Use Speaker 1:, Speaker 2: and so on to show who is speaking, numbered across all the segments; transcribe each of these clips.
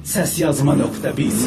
Speaker 1: Sesyazma.biz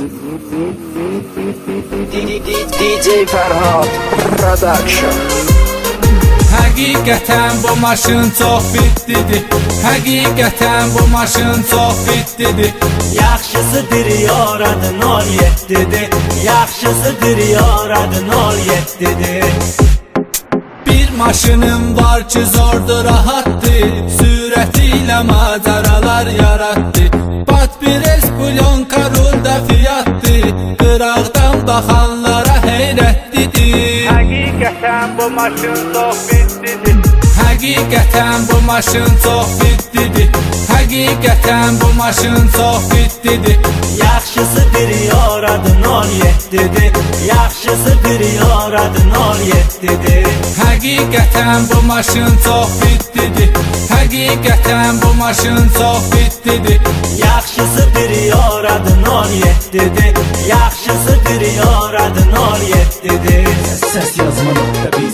Speaker 2: DJ Ferhat Production.
Speaker 3: Həqiqətən bu maşın çox bitlidir. Həqiqətən bu maşın çox bitlidir.
Speaker 4: Yaxşısıdır yaradın 07'dir. Yaxşısıdır yaradın 07'dir.
Speaker 3: Bir maşınım var ki zordur rahatdır. Sürətilə macəralar yarattı. Batbires Blyonka rulda fiyatdır. Qıraqdan baxanlara heyrətlidir.
Speaker 5: Həqiqətən bu maşın çox bitlidir.
Speaker 3: Həqiqətən bu maşın çox bitlidir. Həqiqətən bu maşın çox bitlidir.
Speaker 4: Yaxşısıdır yaradın 07'dir. Yaxşısıdır yaradın 07'dir.
Speaker 3: Həqiqətən bu maşın çox bitlidir. Həqiqətən bu maşın çox bitlidir.
Speaker 4: Yaxşısıdır yaradın 07'dir. Yaxşısıdır yaradın 07'dir.
Speaker 1: Sesyazma.biz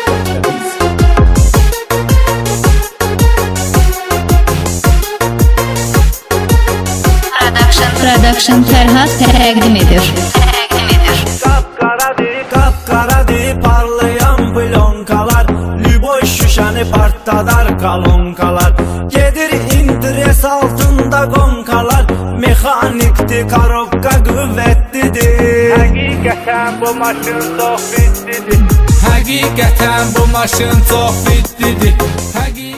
Speaker 6: Production Ferhat təqdim edir.
Speaker 4: Qapqaradır parlayan blonkalar. Lüboy şüşəni partladar kalonkalar. Gedir interes altında qonkalar. Mexanikdir karobka qüvvətlidir.
Speaker 5: Həqiqətən bu maşın çox bitlidir.
Speaker 3: Həqiqətən bu maşın çox bitlidir.